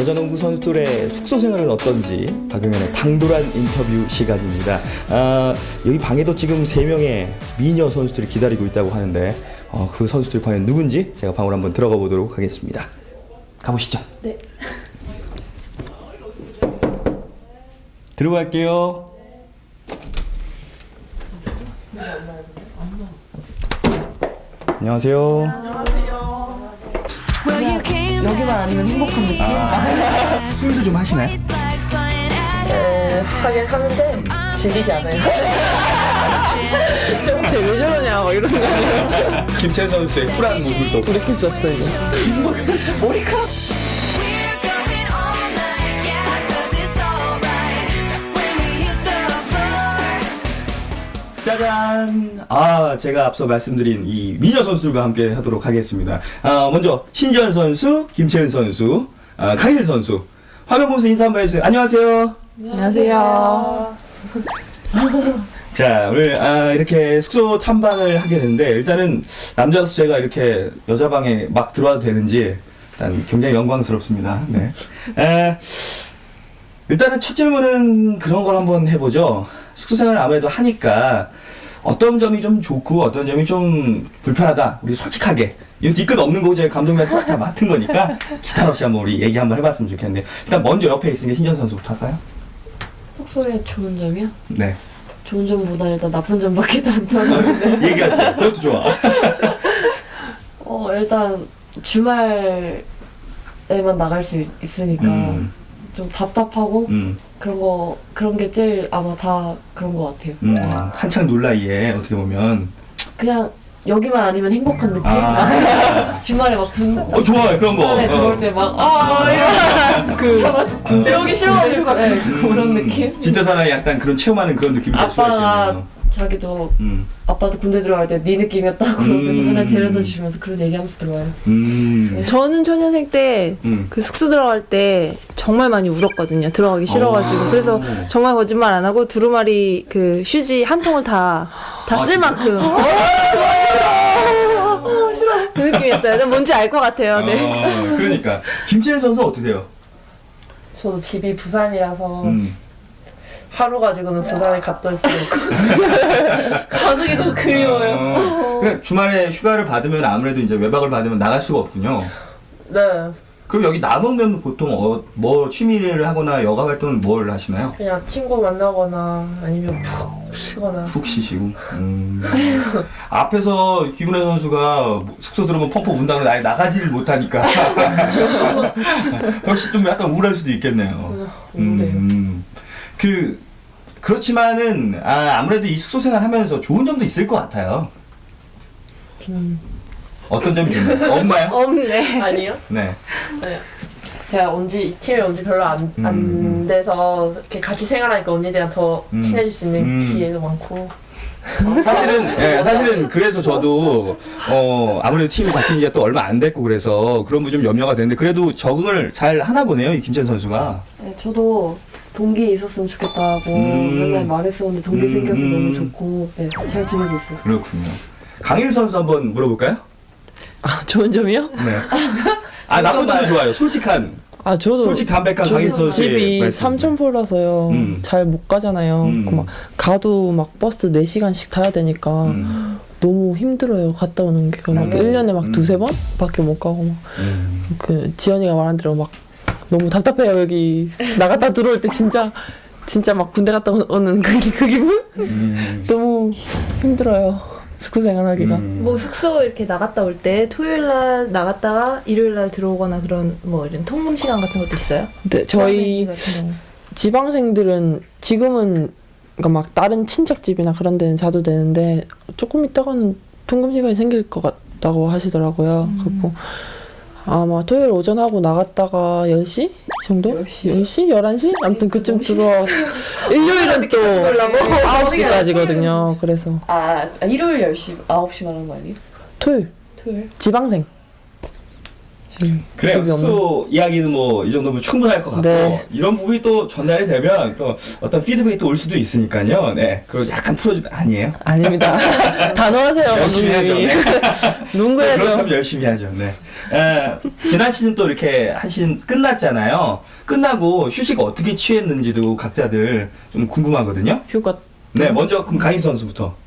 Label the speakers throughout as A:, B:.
A: 여자농구 선수들의 숙소 생활은 어떤지 박용현의 당돌한 인터뷰 시간입니다. 여기 방에도 지금 3명의 미녀 선수들이 기다리고 있다고 하는데 그 선수들이 과연 누군지 제가 방으로 한번 들어가 보도록 하겠습니다. 가보시죠.
B: 네.
A: 들어갈게요. 안녕하세요.
B: 여기만 아니면 행복한 느낌?
A: 술도 좀 하시나요?
B: 네, 하긴 하는데 질리지 않아요. 쟤왜 저러냐 막 이러는 거예요.
A: 김채연 선수의 쿨한 모습을 또
B: 돌이킬 수 없어 이제. 머리카락.
A: 짜잔! 제가 앞서 말씀드린 이 미녀 선수들과 함께 하도록 하겠습니다. 먼저 신지연 선수, 김채은 선수, 강일 선수. 화면 보면서 인사 한번 해주세요. 안녕하세요.
B: 안녕하세요.
A: 자, 오늘 이렇게 숙소 탐방을 하게 됐는데 일단은 남자로서 제가 이렇게 여자 방에 막 들어와도 되는지 일단 굉장히 영광스럽습니다. 네. 일단은 첫 질문은 그런 걸 한번 해보죠. 숙소 생활을 아무래도 하니까 어떤 점이 좀 좋고 어떤 점이 좀 불편하다. 우리 솔직하게. 이거 뒤끝 없는 거고 제가 감독님한테 다 맡은 거니까 기타 없이 한번 우리 얘기 한번 해봤으면 좋겠는데 일단 먼저 옆에 있으니까 신전 선수부터 할까요?
B: 숙소에 좋은 점이요?
A: 네.
B: 좋은 점보다 일단 나쁜 점밖에 안 나는데.
A: 얘기하세요. 그것도 좋아.
B: 일단 주말에만 나갈 수 있으니까 좀 답답하고 그런 게 제일 아마 다 그런 것 같아요.
A: 한창 놀 나이에 어떻게 보면
B: 그냥 여기만 아니면 행복한 느낌? 주말에 막
A: 좋아요 그런 거.
B: 군대 들어올 때 막 이런 들어오기 싫어가지고 그런 느낌?
A: 진짜 사나이 약간 그런 체험하는 그런 느낌이 될 수가
B: 아빠가
A: 있겠네요.
B: 자기도 아빠도 군대 들어갈 때 네 느낌이었다고 맨날 데려다 주시면서 그런 얘기하면서 들어와요.
C: 저는 초년생 때 그 숙소 들어갈 때 정말 많이 울었거든요. 들어가기 싫어가지고. 그래서 정말 거짓말 안 하고 두루마리 그 휴지 한 통을 다 쓸 만큼. 싫어. 그 느낌이었어요. 뭔지 알 것 같아요. 네.
A: 그러니까 김채연 선수 어떠세요?
D: 저도 집이 부산이라서 하루 가지고는 부산에 갔다 올 수가 없고 가족이 너무 그리워요.
A: 그러니까 주말에 휴가를 받으면 아무래도 이제 외박을 받으면 나갈 수가 없군요.
D: 네,
A: 그럼 여기 남으면 보통 뭐 취미를 하거나 여가 활동은 뭘 하시나요?
D: 그냥 친구 만나거나 아니면 푹 쉬거나.
A: 푹 쉬시고. 앞에서 김은혜 선수가 숙소 들어오면 펑펑 운다고 아예 나가지를 못하니까 혹시 좀 약간 우울할 수도 있겠네요. 그렇지만은 아무래도 이 숙소 생활 하면서 좋은 점도 있을 것 같아요. 어떤 점이 좋나요? 없나요?
C: 없네.
D: 아니요?
A: 네.
D: 네. 제가 이 팀에 온 지 별로 안 돼서 이렇게 같이 생활하니까 언니들이랑 더 친해질 수 있는 기회도 많고.
A: 사실은 그래서 저도 아무래도 팀이 바뀐 지가 또 얼마 안 됐고 그래서 그런 부분 좀 염려가 되는데 그래도 적응을 잘 하나 보네요, 이 김채연 선수가.
B: 네, 저도 동기 있었으면 좋겠다고 맨날 말했었는데 동기 생겨서 너무 좋고 잘 지내고 있어요.
A: 그렇군요. 강일 선수 한번 물어볼까요?
C: 좋은 점이요?
A: 네. 나쁜 점도 좋아요. 솔직한.
C: 저도
A: 솔직 담백한 강일 선수의
C: 집이
A: 말씀.
C: 삼천포라서요. 잘 못 가잖아요. 막 가도 막 버스 4시간씩 타야 되니까 너무 힘들어요. 갔다 오는 게 막 1년에 막 2-3번 밖에 못 가고 막 그 지연이가 말한 대로 막 너무 답답해요. 여기 나갔다 들어올 때 진짜 막 군대 갔다 오는 그 기분? 너무 힘들어요. 숙소 생활하기가.
E: 뭐 숙소 이렇게 나갔다 올 때 토요일 날 나갔다가 일요일 날 들어오거나 그런 뭐 이런 통금 시간 같은 것도 있어요?
C: 근데 저희
E: 같은 경우.
C: 지방생들은 지금은 그러니까 막 다른 친척 집이나 그런 데는 자도 되는데 조금 있다가는 통금 시간이 생길 것 같다고 하시더라고요. 그리고 아마 토요일 오전 하고 나갔다가 10시 정도? 10시? 11시? 아무튼 그쯤 들어와. 일요일은 또 9시까지거든요. 그래서
B: 일요일 10시, 9시 말하는 거 아니에요?
C: 토요일
B: 토요일?
C: 지방생
A: 그래요.
C: 집이 없는.
A: 숙소 이야기는 뭐 이 정도면 충분할 것 같고
C: 네.
A: 이런 부분이 또 전달이 되면 또 어떤 피드백이 또 올 수도 있으니까요. 네, 그걸 약간 아니에요.
C: 아닙니다. 단호하세요,
A: 열심히 하죠.
C: 감독님이.
A: 네.
C: 농구해야죠.
A: 그렇다면 열심히 하죠. 네. 지난 시즌 또 이렇게 한 시즌 끝났잖아요. 끝나고 휴식 어떻게 취했는지도 각자들 좀 궁금하거든요.
C: 휴가
A: 네, 먼저 그럼 강희 선수부터.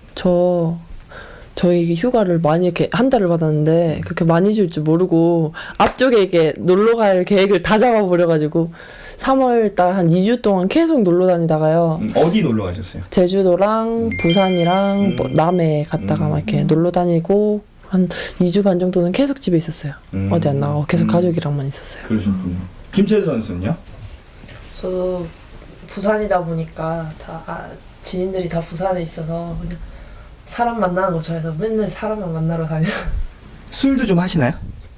C: 저희 휴가를 많이 이렇게 한 달을 받았는데 그렇게 많이 줄 줄 모르고 앞쪽에 이렇게 놀러 갈 계획을 다 잡아버려가지고 3월 달 한 2주 동안 계속 놀러 다니다가요.
A: 어디 놀러 가셨어요?
C: 제주도랑 부산이랑 뭐 남해 갔다가 막 이렇게 놀러 다니고 한 2주 반 정도는 계속 집에 있었어요. 어디 안 나가고 계속 가족이랑만 있었어요.
A: 그러셨군요. 김채수 선수는요?
D: 저도 부산이다 보니까 지인들이 다 부산에 있어서 그냥 사람 만나는 거 좋아해서 맨날 사람만 만나러 다녀요.
A: 술도 좀 하시나요?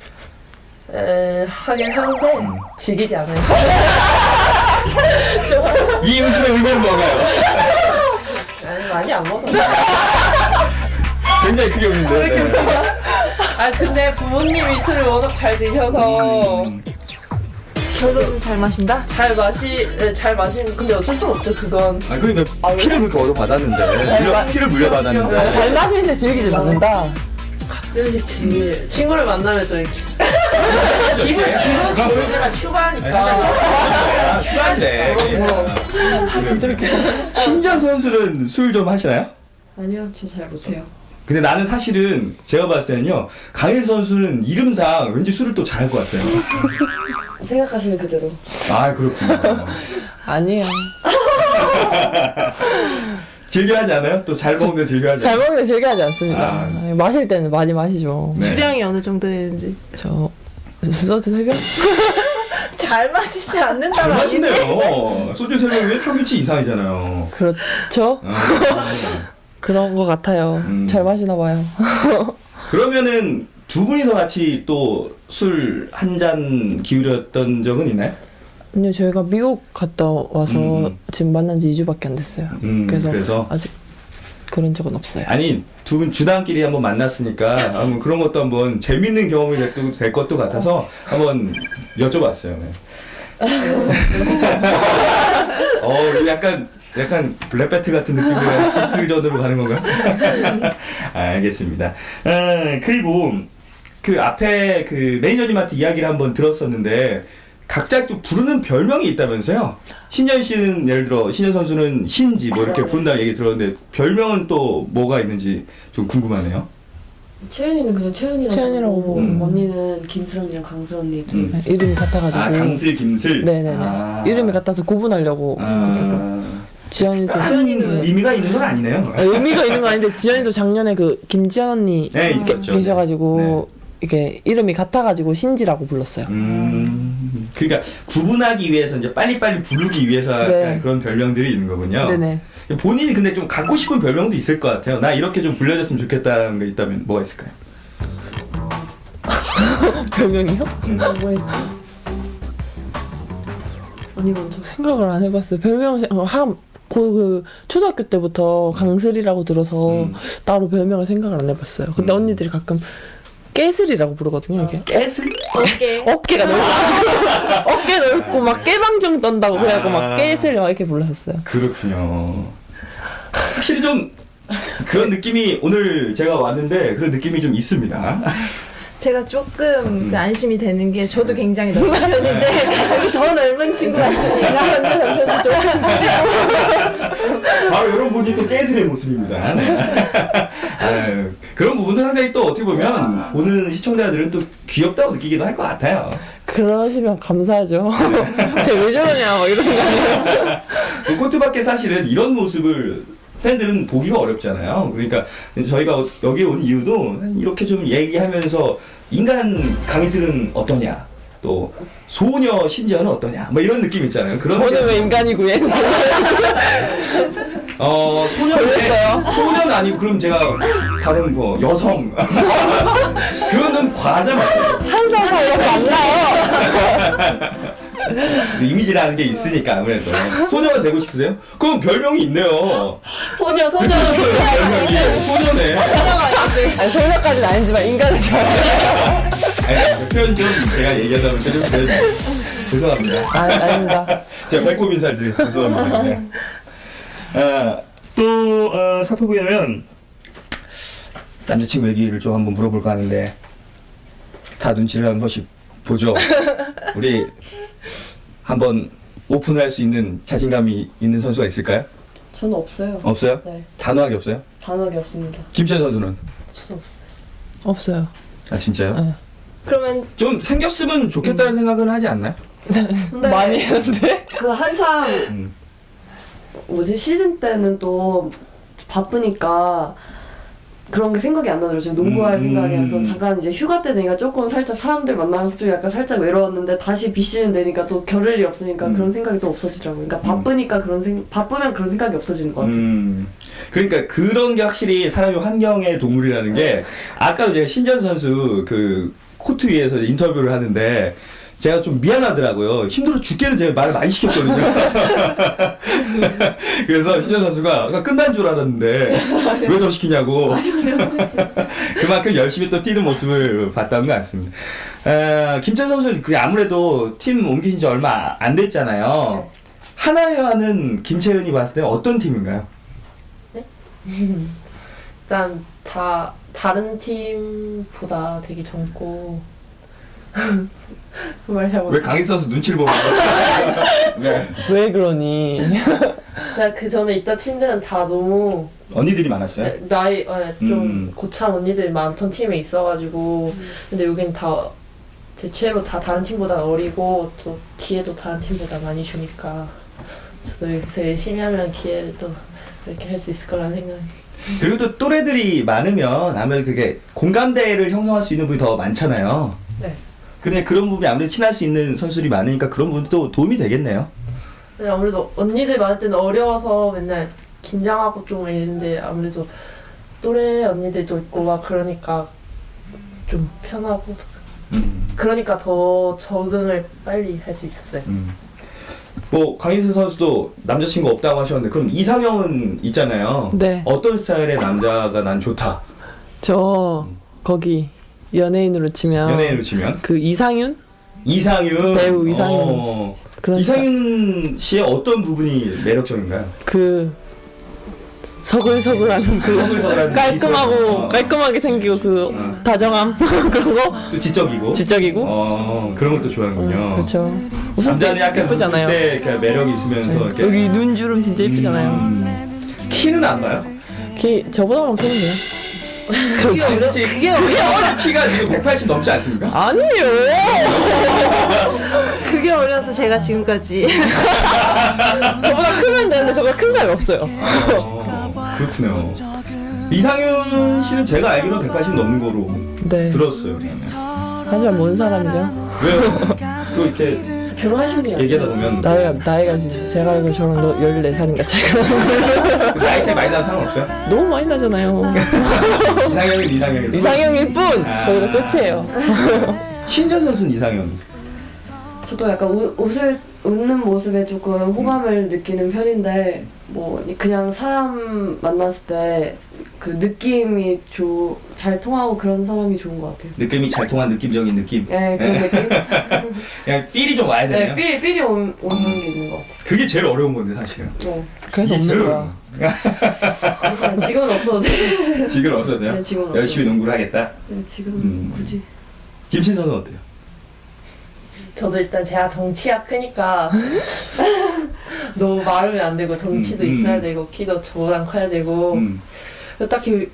D: 하긴 하는데 즐기지 않아요.
A: 이 음식의 의미는 뭔가요?
D: 아니, 많이 안 먹어요.
A: 굉장히 크게 웃는데. 네.
D: 근데 부모님이 술을 워낙 잘 드셔서
E: 결론은 잘 마신다?
D: 잘 마시는 근데 어쩔 수 없죠 그건.
A: 그러니까 피를 그렇게 얻어 받았는데 피를 물려받았는데.
C: 잘 마시는데 즐기지 않는다.
D: 가끔씩 친구를 만나면 좀 이렇게 기분 좋을 때만 휴가니까.
A: 휴가인데. 신전 선수는 술 좀 하시나요?
B: 아니요, 저 잘 못해요.
A: 근데 나는 사실은 제가 봤을 때는요, 강일 선수는 이름상 왠지 술을 또 잘할 것 같아요.
B: 생각하시는 그대로.
A: 아, 그렇군요.
C: 아니에요.
A: 즐겨하지 않아요? 또 잘 먹는데 즐겨하지
C: 잘
A: 않아요?
C: 먹는데 즐겨하지 않습니다.
A: 아.
C: 마실 때는 많이 마시죠.
A: 네.
E: 주량이 어느 정도 되는지.
C: 저 소주 3병?
E: 잘 마시지
A: 잘
E: 않는다는
A: 마시네요. 소주 3병이면 평균치 이상이잖아요.
C: 그렇죠? 그런 것 같아요. 잘 마시나 봐요.
A: 그러면은 두 분이서 같이 또 술 한 잔 기울였던 적은 있나요?
C: 아니요, 저희가 미국 갔다 와서 지금 만난 지 2주밖에 안 됐어요. 그래서 아직 그런 적은 없어요.
A: 아니, 두 분 주당끼리 한번 만났으니까 한번 그런 것도 한번 재밌는 경험이 될 것도 같아서 한번 여쭤봤어요. 네. 이거 약간 랩 배틀 같은 느낌으로 디스전으로 가는 건가요? 알겠습니다. 그리고 그 앞에 그 매니저님한테 이야기를 한번 들었었는데 각자 좀 부르는 별명이 있다면서요? 신현 씨는 예를 들어 신현 선수는 신지 뭐 이렇게 부른다는 얘기 들었는데 별명은 또 뭐가 있는지 좀 궁금하네요.
B: 채연이는 그냥 채연이라고
C: 채연이라고
B: 하고
C: 부르고.
B: 언니는 김슬 언니랑 강슬 언니 둘.
C: 네, 이름이 같아가지고.
A: 강슬, 김슬.
C: 네네네. 이름이 같아서 구분하려고. 지연이도.
B: 채연이는
A: 의미가 있는 건 아니네요.
C: 의미가 있는 건 아닌데 지연이도 작년에 그 김지연 언니
A: 네, 있었죠.
C: 계셔가지고 이게 이름이 같아가지고 신지라고 불렀어요.
A: 그러니까 구분하기 위해서 이제 빨리빨리 부르기 위해서
C: 네.
A: 약간 그런 별명들이 있는 거군요.
C: 네네.
A: 본인이 근데 좀 갖고 싶은 별명도 있을 것 같아요. 나 이렇게 좀 불려졌으면 좋겠다는 게 있다면 뭐가 있을까요?
C: 별명이요? 뭐 있지?
B: 언니 먼저.
C: 생각을 안 해봤어요. 별명 그 초등학교 때부터 강슬이라고 들어서 따로 별명을 생각을 안 해봤어요. 근데 언니들이 가끔 깨슬이라고 부르거든요. 이게
A: 깨슬?
C: 어깨가 넓고 어깨 넓고 막 깨방정 떤다고 그래갖고 막 깨슬 막 이렇게 불렀었어요.
A: 그렇군요. 확실히 좀 그런 느낌이 오늘 제가 왔는데 그런 느낌이 좀 있습니다.
E: 제가 조금 안심이 되는 게 저도 굉장히 넓은 편인데 여기 더 넓은 친구가 있으니까
C: 잠시만요. 좀
A: 바로 이런 분이 또 깨슬의 모습입니다. 네. 아유, 그런 부분도 상당히 또 어떻게 보면 보는 시청자들은 또 귀엽다고 느끼기도 할 것 같아요.
C: 그러시면 감사하죠. 제가 왜 저러냐 막 이런 생각이에요.
A: 그 코트밖에 사실은 이런 모습을 팬들은 보기가 어렵잖아요. 그러니까 저희가 여기 온 이유도 이렇게 좀 얘기하면서 인간 강희슬은 어떠냐, 또 소녀 신지연은 어떠냐, 뭐 이런 느낌 있잖아요. 그런
C: 저는 왜 인간이고 얘는
A: 소녀는 아니고 그럼 제가 다른 거 여성 그거는 과하지 않아요.
C: 한 살 차이밖에 안 나요.
A: 이미지라는 게 있으니까 아무래도 소녀가 되고 싶으세요? 그럼 별명이 있네요.
B: 소녀.
A: 별명이 소녀네.
C: 아니 소녀까지는 아니지만 인간은 좋아요.
A: 아니, 표현이 좀 제가 얘기하다 보니까 좀 죄송합니다.
C: 아닙니다.
A: 제가 배꼽 인사를 드려서 죄송합니다. 네. 또 살펴보면 남자친구 얘기를 좀 한번 물어볼까 하는데 다 눈치를 한 번씩 보죠. 우리 한번 오픈을 할 수 있는 자신감이 있는 선수가 있을까요?
B: 저는 없어요.
A: 없어요?
B: 네,
A: 단호하게 없어요?
B: 단호하게 없습니다.
A: 김찬 선수는?
D: 저도 없어요.
C: 없어요.
A: 아 진짜요?
C: 네.
D: 그러면
A: 좀 생겼으면 좋겠다는 생각은 하지 않나요?
D: 근데
C: 많이 했는데.
B: 그 한참
A: 음.
B: 뭐지 시즌 때는 또 바쁘니까 그런 게 생각이 안 나더라고요. 지금 농구할 생각이 나서 잠깐 이제 휴가 때 되니까 조금 살짝 사람들 만나면서 좀 약간 살짝 외로웠는데 다시 비시즌 되니까 또 겨를이 없으니까 그런 생각이 또 없어지더라고요. 그러니까 바쁘니까 바쁘면 그런 생각이 없어지는 것 같아요.
A: 그러니까 그런 게 확실히 사람이 환경의 동물이라는 게 아까도 제가 신전 선수 그 코트 위에서 인터뷰를 하는데 제가 좀 미안하더라고요. 힘들어 죽겠는 제가 말을 많이 시켰거든요. 그래서 신현 선수가 끝난 줄 알았는데 왜 더 시키냐고. 그만큼 열심히 또 뛰는 모습을 봤다는 것 같습니다. 김찬 선수는 그 아무래도 팀 옮기신 지 얼마 안 됐잖아요. 하나회와는 김채은이 봤을 때 어떤 팀인가요?
D: 일단 다 다른 팀보다 되게 젊고 말 잘못.
A: 왜 강희 선수 눈치를 보고 네.
C: 왜 그러니?
D: 제가 그 전에 있던 팀들은 다 너무
A: 언니들이 많았어요?
D: 나이 좀 고참 언니들이 많던 팀에 있어가지고 근데 여긴 다 대체로 다 다른 팀보다 어리고 또 기회도 다른 팀보다 많이 주니까 저도 여기서 열심히 하면 기회를 또 이렇게 할 수 있을 거라는 생각이.
A: 그리고 또 또래들이 많으면 아무래도 그게 공감대를 형성할 수 있는 분이 더 많잖아요.
D: 네.
A: 근데 그런 부분이 아무래도 친할 수 있는 선수들이 많으니까 그런 부분도 도움이 되겠네요.
D: 근데 아무래도 언니들 많을 때는 어려워서 맨날 긴장하고 좀 이랬는데 아무래도 또래 언니들도 있고 막 그러니까 좀 편하고 그러니까 더 적응을 빨리 할 수 있었어요.
A: 뭐 강희슬 선수도 남자친구 없다고 하셨는데 그럼 이상형은 있잖아요.
C: 네.
A: 어떤 스타일의 남자가 난 좋다.
C: 저 거기 연예인으로 치면
A: 연예인으로 치면
C: 그 이상윤
A: 이상윤
C: 배우 이상윤 그런
A: 이상윤 씨의 어떤 부분이 매력적인가요?
C: 그 서글서글한 그
A: 서글서글한
C: 깔끔하고
A: 미소.
C: 깔끔하게 생기고 그 다정함 그런 거
A: 또 지적이고.
C: 지적이고
A: 그런 걸 또 좋아하는군요.
C: 그렇죠.
A: 남자는 약간
C: 예쁘잖아요.
A: 웃을 때 이렇게 매력이 있으면서 이렇게
C: 여기 눈주름 진짜 예쁘잖아요.
A: 키는 안 봐요?
C: 키 저보다만 크면 돼요. 저
A: 진짜 씨
E: 그게
A: 키가 지금 180 넘지 않습니까?
C: 아니에요.
E: 그게 어려서 제가 지금까지
C: 저보다 크면 되는데 저보다 큰 사람이 없어요.
A: 그렇군요. 이상윤 씨는 제가 알기로 180 넘는 거로
C: 네.
A: 들었어요.
C: 하지만 뭔 사람이죠?
A: 왜요? 또 이렇게
B: 결혼하신 분이
A: 얘기하다 보면
C: 나이가 지금 제가 알고 저랑 14살인가 차이가
A: 나이 차이 많이 나는 상관없어요?
C: 너무 많이 나잖아요.
A: 이상형은 이상형이
C: 이상형일 뿐!
A: 아.
C: 거기서 끝이에요.
A: 신전 선수는 이상형.
B: 저도 약간 웃는 모습에 조금 호감을 느끼는 편인데 뭐 그냥 사람 만났을 때 그 느낌이 잘 통하고 그런 사람이 좋은 것 같아요.
A: 느낌이 잘 통한 느낌적인 느낌.
B: 네, 그런 느낌?
A: 그냥 필이 좀 와야 되네요.
B: 네, 삘이 오는 게 있는 것 같아요.
A: 그게 제일 어려운 건데 사실은.
B: 네.
C: 그래서
A: 이게 제일
C: 없는
A: 어려운
C: 거야.
B: 괜찮아요. 지금은 없어도 돼.
A: 지금 없어도 돼요?
B: 네, 지금은 없어도
A: 열심히 농구를 하겠다.
B: 네, 지금은 굳이.
A: 김신 선수는 어때요?
D: 저도 일단 제가 덩치가 크니까 너무 마르면 안 되고 덩치도 있어야 되고 키도 저보단 커야 되고 딱히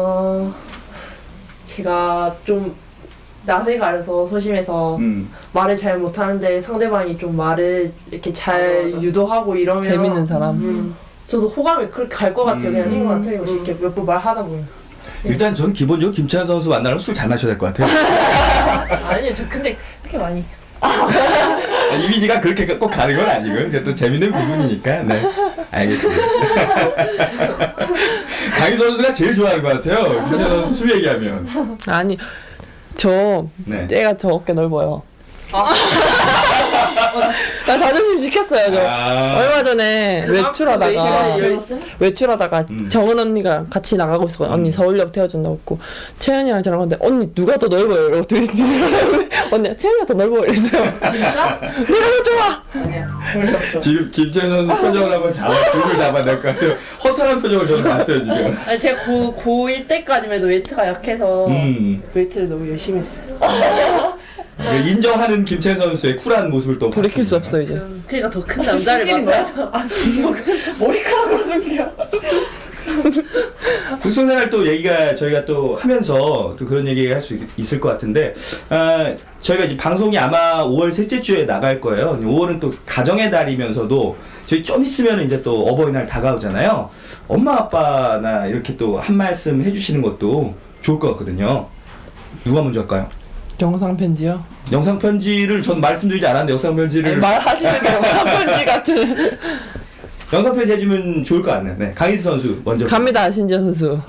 D: 제가 좀 낯을 가려서 소심해서 말을 잘 못하는데 상대방이 좀 말을 이렇게 잘
B: 맞아.
D: 유도하고 이러면
C: 재밌는 사람.
D: 저도 호감이 그렇게 갈 것 같아요. 그냥 생각 틀림없이 이렇게 몇 번 말하다 보면.
A: 일단 전 기본적으로 김찬 선수 만나면 술 잘 마셔야 될 것 같아요.
D: 아니요, 저 근데 그렇게 많이.
A: 이미지가 그렇게 꼭 가는 건 아니고요. 그게 또 재밌는 부분이니까. 네, 알겠습니다. 강희 선수가 제일 좋아하는 것 같아요. 김찬 선수 술 얘기하면.
C: 아니 저
A: 네.
C: 쟤가 저 어깨 넓어요. 나 자존심 지켰어요 저.
A: 아.
C: 얼마 전에 외출하다가 외출하다가 정은 언니가 같이 나가고 있었거든요. 언니 서울역 태워준다고 했고 채연이랑 저랑 갔는데 언니 누가 더 넓어요? 이러고 둘이 언니가 채연이가 더 넓어 이랬어요.
D: 진짜?
C: 내가 더 좋아.
D: 아니야. 별로 없어.
A: 지금 김채연 선수 표정을 한번 불을 잡아야 될 것 같아요. 허탈한 표정을 저는 봤어요 지금.
D: 아니 제가 고1 때까지만 해도 웨이트가 약해서 웨이트를 너무 열심히 했어요.
A: 인정하는 김채연 선수의 쿨한 모습을 또
C: 돌이킬 수
A: 봤습니다.
C: 없어 이제.
D: 그러니까 더 큰 남자를 만나서 머리카락으로 숨겨.
A: 숙소생활 또 얘기가 저희가 또 하면서 또 그런 얘기 할 수 있을 것 같은데 저희가 이제 방송이 아마 5월 셋째 주에 나갈 거예요. 5월은 또 가정의 달이면서도 저희 좀 있으면 이제 또 어버이날 다가오잖아요. 엄마 아빠나 이렇게 또 한 말씀 해주시는 것도 좋을 것 같거든요. 누가 먼저 할까요?
C: 영상 편지요?
A: 영상 편지를 전 말씀드리지 않았는데 영상 편지를
C: 말하시는 게 영상 편지 같은.
A: 영상 편지 해주면 좋을 것 같네요. 네, 강희수 선수 먼저.
C: 갑니다 신지현 선수.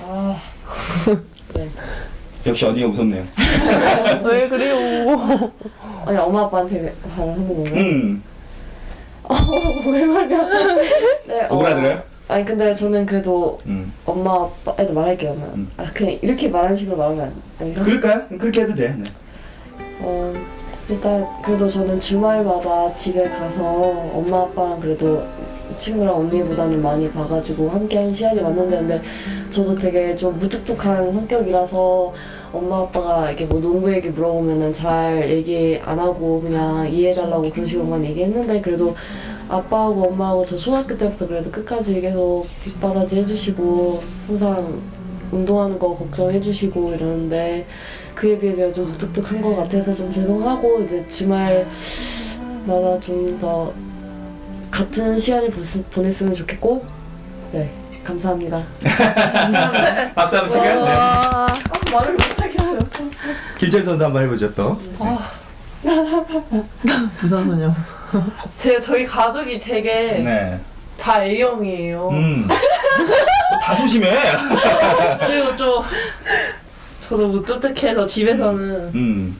A: 역시 언니가 무섭네요.
C: 왜 그래요?
B: 아니 엄마 아빠한테 말을 하는 건가요? 왜 말이야? 네,
A: 오그라들어요?
B: 아니 근데 저는 그래도
A: 음.
B: 엄마 아빠에도 말할게요. 그냥 이렇게 말하는 식으로 말하면 안 돼요?
A: 그럴까요? 그렇게 해도 돼. 네.
B: 일단 그래도 저는 주말마다 집에 가서 엄마 아빠랑 그래도 친구랑 언니보다는 많이 봐가지고 함께하는 시간이 많는데 근데 저도 되게 좀 무뚝뚝한 성격이라서 엄마 아빠가 이렇게 뭐 농구 얘기 물어보면은 잘 얘기 안 하고 그냥 이해해달라고 그런 식으로만 얘기했는데 그래도 아빠하고 엄마하고 저 초등학교 때부터 그래도 끝까지 계속 뒷바라지 해주시고 항상 운동하는 거 걱정해주시고 이러는데 그에 비해 제가 좀 무뚝뚝한 것 같아서 좀 죄송하고 이제 주말마다 좀 더 같은 시간을 보냈으면 좋겠고 네 감사합니다.
A: 박수 한번 칠까요? 네.
B: 말을 못하겠어요.
A: 김채연 선수 한번 해보죠 또.
C: 부산소녀.
D: 저희 가족이 되게
A: 네.
D: 다 A형이에요.
A: 다 소심해.
D: 그리고 좀 저도 무뚝뚝해서 집에서는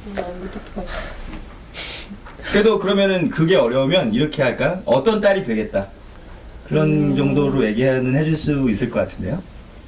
A: 그래도 그러면은 그게 어려우면 이렇게 할까? 어떤 딸이 되겠다. 그런 정도로 얘기는 해줄 수 있을 것 같은데요.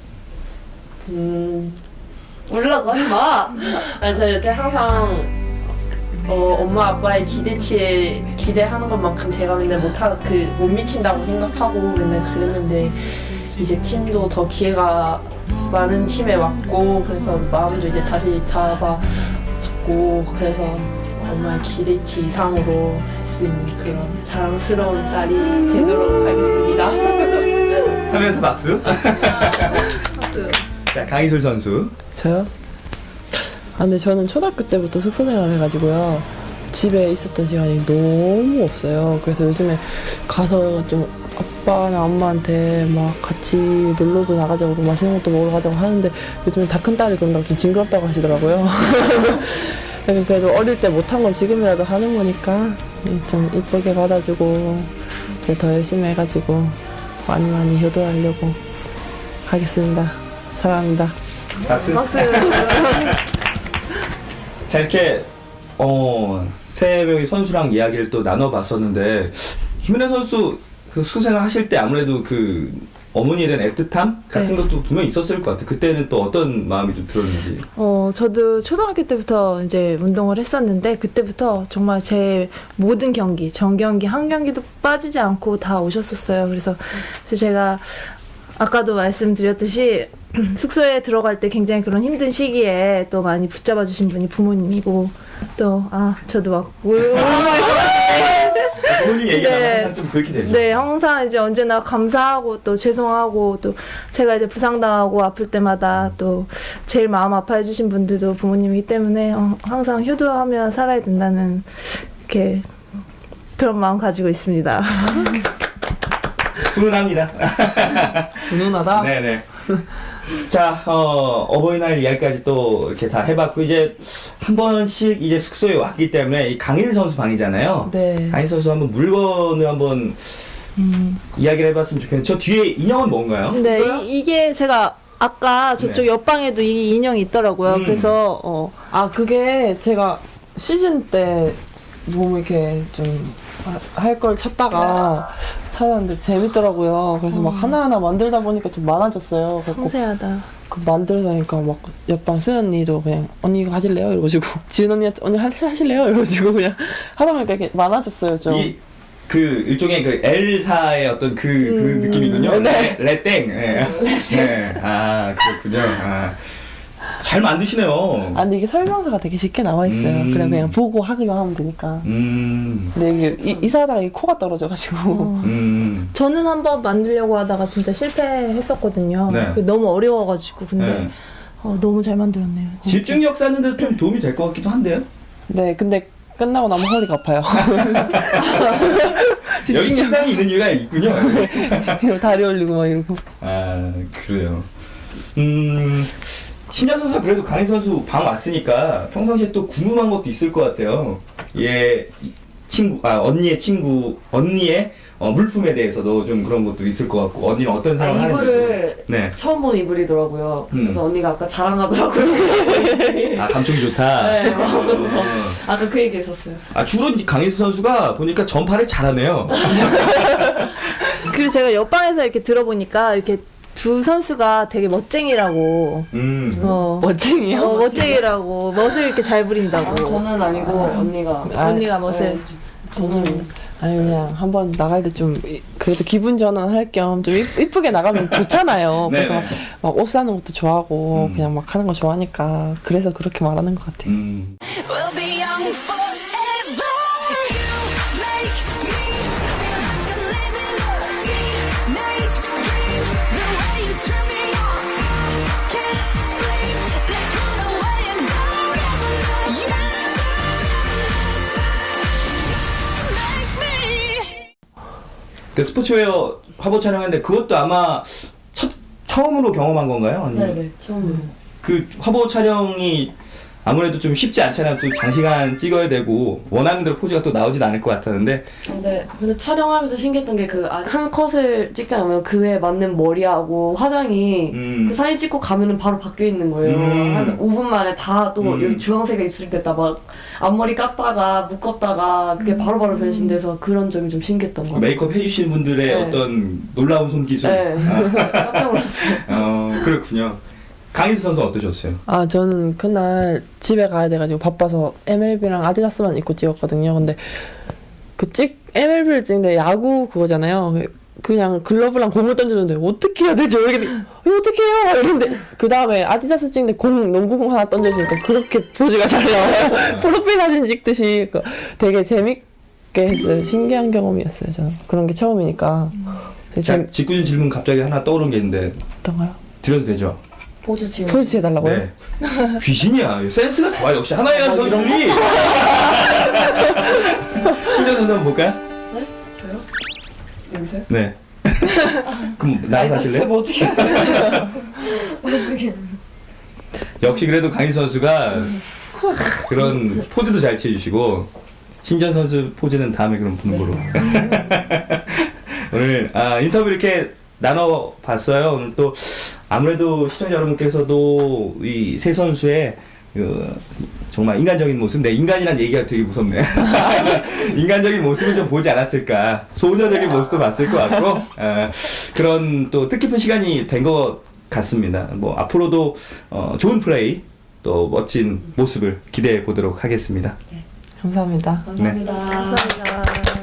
B: 올라가지 마.
D: 아니 저 여태 항상 엄마 아빠의 기대치에 기대하는 것만큼 제가 맨날 못 미친다고 생각하고 맨날 그랬는데 이제 팀도 더 기회가 많은 팀에 왔고 그래서 마음도 이제 다시 잡아봤고 그래서 엄마의 기대치 이상으로 할 수 있는 그런 자랑스러운 딸이 되도록 하겠습니다.
A: 하면서 박수.
D: 박수.
A: 자, 강희술 선수.
C: 저요? 근데 저는 초등학교 때부터 숙소 생활을 해가지고요. 집에 있었던 시간이 너무 없어요. 그래서 요즘에 가서 좀 아빠나 엄마한테 막 같이 놀러도 나가자고 맛있는 것도 먹으러 가자고 하는데 요즘에 다 큰 딸이 그런다고 좀 징그럽다고 하시더라고요. 그래도 어릴 때 못한 건 지금이라도 하는 거니까 좀 이쁘게 받아주고 이제 더 열심히 해가지고 많이 효도하려고 하겠습니다. 사랑합니다.
A: 박수. 자, 이렇게 세 명의 선수랑 이야기를 또 나눠봤었는데 김은혜 선수 그 수생활 하실 때 아무래도 그 어머니에 대한 애틋함 같은
E: 네.
A: 것도 분명히 있었을 것 같아요. 그때는 또 어떤 마음이 좀 들었는지.
E: 저도 초등학교 때부터 이제 운동을 했었는데 그때부터 정말 제 모든 경기, 전경기, 한 경기도 빠지지 않고 다 오셨었어요. 그래서 제가 아까도 말씀드렸듯이 숙소에 들어갈 때 굉장히 그런 힘든 시기에 또 많이 붙잡아 주신 분이 부모님이고 또 저도 막
A: 부모님 얘기가
E: 네.
A: 항상 좀 그렇게 되죠.
E: 네, 항상 이제 언제나 감사하고 또 죄송하고 또 제가 이제 부상당하고 아플 때마다 또 제일 마음 아파해 주신 분들도 부모님이기 때문에 항상 효도하며 살아야 된다는 이렇게 그런 마음 가지고 있습니다.
A: 훈훈합니다.
C: 훈훈하다?
A: 네네. 자, 어버이날 이야기까지 또 이렇게 다 해봤고, 이제 한 번씩 이제 숙소에 왔기 때문에 이 강일 선수 방이잖아요.
C: 네.
A: 강일 선수 한번 물건을 한번 이야기를 해봤으면 좋겠는데, 저 뒤에 인형은 뭔가요?
E: 네, 이게 제가 아까 저쪽
A: 네.
E: 옆방에도 이 인형이 있더라고요. 그래서
C: 그게 제가 시즌 때 너무 이렇게 좀 할 걸 찾았는데 재밌더라고요. 그래서 막 하나하나 만들다 보니까 좀 많아졌어요. 그래서
E: 섬세하다.
C: 그 만들다니까 막 옆방 수연 언니도 그냥 언니 이거 하실래요? 이러가지고 지은 언니한테 언니 하실래요? 이러가지고 그냥 하다 보니까 이렇게 많아졌어요 좀.
A: 그 일종의 그 L사의 어떤 그 느낌이군요.
C: 네.
A: 레땡. 네. 네. 아 그렇군요. 아. 잘 만드시네요.
C: 아 근데 이게 설명서가 되게 쉽게 나와 있어요. 그냥 보고 하기만 하면 되니까. 근데 이게 이사하다가 이 코가 떨어져가지고.
E: 저는 한번 만들려고 하다가 진짜 실패했었거든요.
A: 네.
E: 너무 어려워가지고 근데
A: 네.
E: 너무 잘 만들었네요. 진짜.
A: 집중력 쌓는데 좀 도움이 될 것 같기도 한데요.
C: 네 근데 끝나고 나면 허리가 아파요.
A: 여기 책상이 있는 이유가 있군요.
C: 다리 올리고 막 이러고.
A: 아 그래요. 신현 선수가 그래도 강희 선수 방 왔으니까 평상시에 또 궁금한 것도 있을 것 같아요. 얘 친구, 언니의 친구, 언니의 물품에 대해서도 좀 그런 것도 있을 것 같고, 언니는 어떤 생각을 하는지.
B: 이불을
A: 네.
B: 처음 본 이불이더라고요. 그래서 언니가 아까 자랑하더라고요.
A: 아 감촉이 좋다.
B: 네, 아까 그 얘기 했었어요.
A: 아 주로 강희수 선수가 보니까 전파를 잘하네요.
E: 그리고 제가 옆방에서 이렇게 들어보니까 이렇게 두 선수가 되게 멋쟁이라고.
C: 멋쟁이요?
E: 멋쟁이라고 멋을 이렇게 잘 부린다고.
B: 저는 아니고 언니가.
E: 언니가 멋을.
B: 저는
C: 아니 그냥 한번 나갈 때 좀 그래도 기분 전환할 겸 좀 이쁘게 나가면 좋잖아요.
A: 네,
C: 그래서
A: 네.
C: 막 옷 사는 것도 좋아하고 그냥 막 하는 거 좋아하니까 그래서 그렇게 말하는 것 같아요.
F: We'll be young forever. You make me feel like I'm living a teenage dream. The way you turn me on, I can't sleep. There's no way I don't ever love you. Make me.
A: 그 스포츠웨어 화보 촬영했는데 그것도 아마 처음으로 경험한 건가요? 아니면
B: 네네 처음으로.
A: 그 화보 촬영이 아무래도 좀 쉽지 않잖아요. 좀 장시간 찍어야 되고 원하는 대로 포즈가 또 나오진 않을 것 같았는데.
B: 근데 촬영하면서 신기했던 게 그 한 컷을 찍자면 그에 맞는 머리하고 화장이 그 사진 찍고 가면은 바로 바뀌어 있는 거예요. 한 5분 만에 다 또 여기 주황색이 입술됐다 막 앞머리 깠다가 묶었다가 그게 바로바로 변신돼서 그런 점이 좀 신기했던 것 같아요.
A: 메이크업 해주신 분들의
B: 네.
A: 어떤 놀라운 손기술.
B: 네. 깜짝 놀랐어요.
A: 그렇군요. 강희수 선수 어떠셨어요?
C: 아 저는 그날 집에 가야 돼가지고 바빠서 MLB랑 아디다스만 입고 찍었거든요. 근데 MLB를 찍는데 야구 그거잖아요. 그냥 글러브랑 공을 던지는데 어떻게 해야 되지? 이거 어떻게 해요? 이랬는데 그 다음에 아디다스 찍는데 농구공 하나 던져주니까 그렇게 포즈가 잘 나와요. 프로필 사진 찍듯이 되게 재밌게 했어요. 신기한 경험이었어요. 저는 그런 게 처음이니까.
A: 자, 직구준 질문 갑자기 하나 떠오른 게 있는데
C: 어떤가요?
A: 드려도 되죠?
B: 포즈 지금.
C: 포즈 해달라고요?
A: 네. 귀신이야. 센스가 좋아. 역시 하나의 한 선수들이. 신전 선수 한번 볼까요?
B: 네? 저요? 여기서요?
A: 네. 그럼 나가서 하실래요?
B: 뭐 어떻게 하세요? 어떻게?
A: 역시 그래도 강희 선수가 그런 포즈도 잘 취해주시고 신전 선수 포즈는 다음에 그럼 보는 거로. 오늘 인터뷰 이렇게 나눠봤어요. 오늘 또 아무래도 시청자 여러분께서도 이 세 선수의 정말 인간적인 모습, 내 인간이란 얘기가 되게 무섭네. 인간적인 모습을 좀 보지 않았을까. 소녀적인 모습도 봤을 것 같고, 그런 또 뜻깊은 시간이 된 것 같습니다. 뭐, 앞으로도 좋은 플레이, 또 멋진 모습을 기대해 보도록 하겠습니다.
C: 감사합니다.
B: 감사합니다.
E: 감사합니다.